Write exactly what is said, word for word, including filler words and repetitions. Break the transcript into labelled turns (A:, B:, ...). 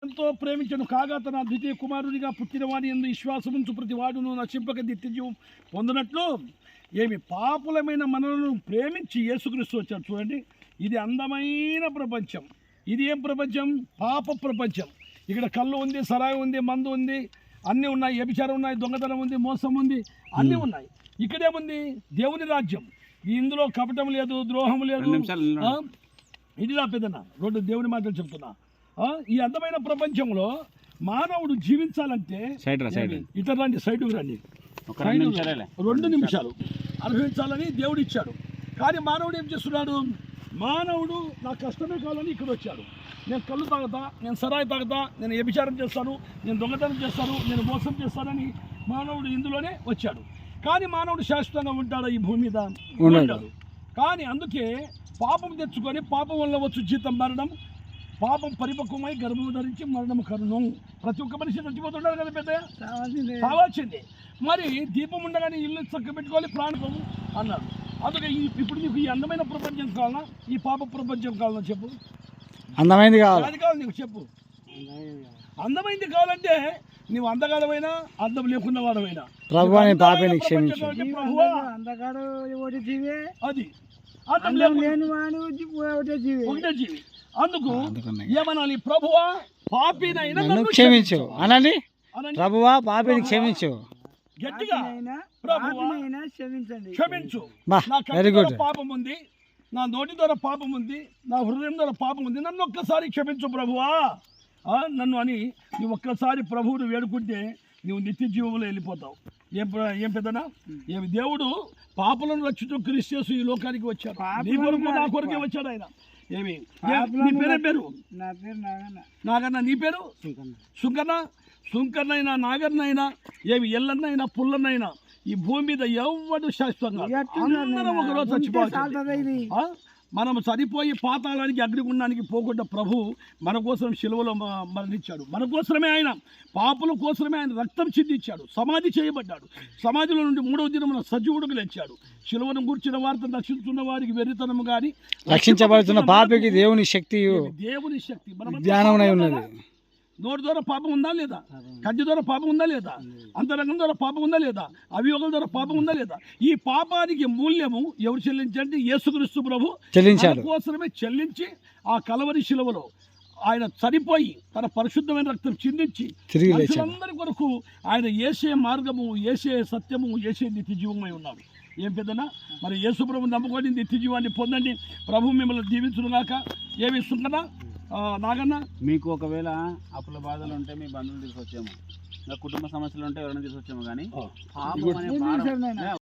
A: ఎంతో ప్రేమించను కాగా తన ద్వితీయ కుమారుడిగా పుట్టిన వాని యందు విశ్వాసముంచు ప్రతి వాడును నశింపక నిత్యజీవం పొందినట్లు ఏమి పాపులమైన మనలను ప్రేమించి యేసుక్రీస్తు వచ్చాడు. చూడండి, ఇది అందమైన ప్రపంచం. ఇది ఏం ప్రపంచం? పాప ప్రపంచం. ఇక్కడ కళ్ళు ఉంది, సరాయి ఉంది, మందు ఉంది, అన్నీ ఉన్నాయి, వ్యభిచారం ఉన్నాయి, దొంగతనం ఉంది, మోసం ఉంది, అన్నీ ఉన్నాయి. ఇక్కడేముంది? దేవుని రాజ్యం. ఇందులో కపటం లేదు, ద్రోహం లేదు. ఇది నా పెద్దన రెండు దేవుని మాటలు చెప్తున్నా. ఈ అందమైన ప్రపంచంలో మానవుడు జీవించాలంటే ఇతర రండి, సైడ్కి రండి, రెండు నిమిషాలు అనుభవించాలని దేవుడు ఇచ్చాడు. కానీ మానవుడు ఏం చేస్తున్నాడు? మానవుడు నా కష్టమే కావాలని ఇక్కడ వచ్చాడు. నేను కళ్ళు తాగుతా, నేను సరాయి తాగుతా, నేను వ్యభిచారం చేస్తాను, నేను దొంగతనం చేస్తాను, నేను మోసం చేస్తానని మానవుడు ఇందులోనే వచ్చాడు. కానీ మానవుడు శాశ్వతంగా ఉంటాడు ఈ భూమి మీద? ఉంటాడు. కానీ అందుకే పాపం తెచ్చుకొని పాపం వల్ల వచ్చు జీతం మరణం, పాపం పరిపక్వమై గర్భం ధరించి మరణం కరుణం. ప్రతి ఒక్క మనిషి చచ్చిపోతుంటారు కదా, పెద్ద కావాల్సిందే. మరి దీపం ఉండగానే ఇల్లు చక్క పెట్టుకోవాలి, ప్రాణం అన్నారు. అందుకే ఇప్పుడు నీకు ఈ అందమైన ప్రపంచం కావాలా, ఈ పాప ప్రపంచం కావాలా? చెప్పు. అందమైంది కావాలి, అది కావాలి నీకు. చెప్పు. అందమైంది కావాలంటే నువ్వు అందగాడమైనా అందం లేకున్న వాడమైనా అది ఒకటే జీవి. అందుకు ఏమనాలి? ప్రభువా పాపినైనా క్షమించు అనండి. ప్రభువా పాపిని క్షమించు, గట్టిగా క్షమించు. నా కళ్ళ ద్వారా పాపం ఉంది, నా నోటి ద్వారా పాపం ఉంది, నా హృదయం ద్వారా పాపం ఉంది, నన్ను ఒక్కసారి క్షమించు ప్రభువా నన్ను అని నువ్వు ఒక్కసారి ప్రభువును వేడుకుంటే నువ్వు నిత్య జీవంలో వెళ్ళిపోతావు. ఏం ఏం పెద్దనా? ఏమి దేవుడు పాపలను రక్షించు క్రీస్తు ఈ లోకానికి వచ్చాడు. నీ కొరకు నా కొరకే వచ్చాడు ఆయన. ఏమి నీ పేరే పేరు? నాగన్న. నీ పేరు సుంకన్న. సుంకన్నైనా నాగన్నైనా ఏమి ఎల్లన్నైనా పుల్లన్నైనా ఈ భూమి మీద ఎవడు శాశ్వతంగా అందరం ఒకరోజు చచ్చిపోవచ్చు. మనం చనిపోయి పాతాళానికి అగ్నిగుండానికి పోకుండా ప్రభు మన కోసం శిలువలో మరణించాడు. మన కోసమే ఆయన, పాపుల కోసమే ఆయన రక్తం చిందించాడు. సమాధి చేయబడ్డాడు. సమాధిలో నుండి మూడవ దినమున సజీవుడుకు లేచాడు. శిలువను కూర్చున్న వారితో రక్షించున్న వారికి వెర్రితనము కానీ రక్షించబడుతున్న పాపికి దేవుని శక్తి, దేవుని శక్తి జ్ఞానమై ఉన్నది. నోటి ద్వారా పాపం ఉందా లేదా? కంటి ద్వారా పాపం ఉందా లేదా? అంతరంగం ద్వారా పాపం ఉందా లేదా? అవియోగం ద్వారా పాపం ఉందా లేదా? ఈ పాపానికి మూల్యము ఎవరు చెల్లించండి? యేసుక్రీస్తు ప్రభు చెల్లించాడు. కోసమే చెల్లించి ఆ కలవరి శిలువలో ఆయన చనిపోయి తన పరిశుద్ధమైన రక్తం చిందించి అందరి కొరకు ఆయన యేసే మార్గము, యేసే సత్యము, యేసే నిత్య జీవమై ఉన్నాడు. ఏం పెద్దనా? మరి యేసు ప్రభు నమ్ముకొని నిత్య జీవాన్ని పొందండి. ప్రభు మిమ్మల్ని దీవించును గాక. ఏమి ఇస్తుందా నాగన్న? మీకు ఒకవేళ అప్పుల బాధలు ఉంటే మీ బంధువులు తీసుకొచ్చేమో, కుటుంబ సమస్యలు ఉంటే ఎవరైనా తీసుకొచ్చేమో, కానీ